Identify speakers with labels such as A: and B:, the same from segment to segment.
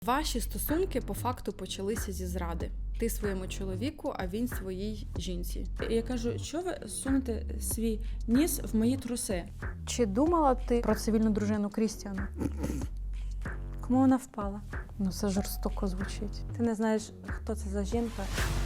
A: Ваші стосунки по факту почалися зі зради. Ти своєму чоловіку, а він своїй жінці.
B: Я кажу, що ви сунете свій ніс в мої труси?
C: Чи думала ти про цивільну дружину Крістіана?
B: Кому вона впала?
C: Ну, це жорстоко звучить.
B: Ти не знаєш, хто це за жінка?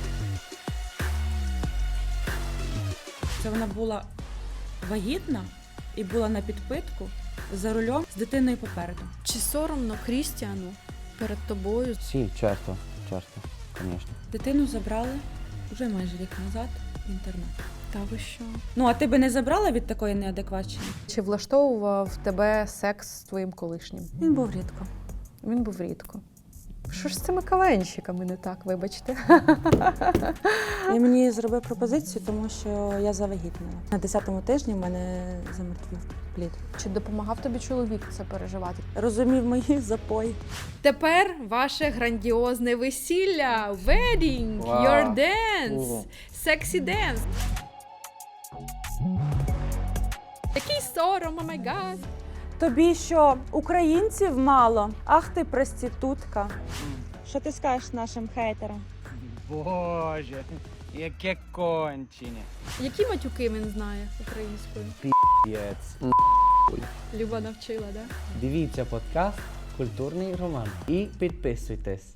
B: Це вона була вагітна і була на підпитку за рулем з дитиною попереду.
A: Чи соромно Крістіану перед тобою?
D: Sì, certo, конечно.
B: Дитину забрали вже майже рік назад в інтернат.
A: Та ви що?
B: Ну, а ти би не забрала від такої неадекватщини?
C: Чи влаштовував тебе секс з твоїм колишнім?
B: Він був рідко.
C: Він був рідко. Що ж з цими кавенщиками не так, вибачте?
B: Він мені зробив пропозицію, тому що я завагітніла. На 10-му тижні в мене замертвів плід.
C: Чи допомагав тобі чоловік це переживати?
B: Розумів мої запої.
A: Тепер ваше грандіозне весілля! Wedding!
D: Вау.
A: Your dance!
D: Ого.
A: Sexy dance! Який сором, о май гад!
B: Тобі що, українців мало? Ах ти проститутка. Що ти скажеш нашим хейтерам?
E: Боже, яке кончення.
A: Які матюки він знає українською?
D: Єць.
A: Люба навчила, да?
D: Дивіться подкаст «Культурний роман» і підписуйтесь.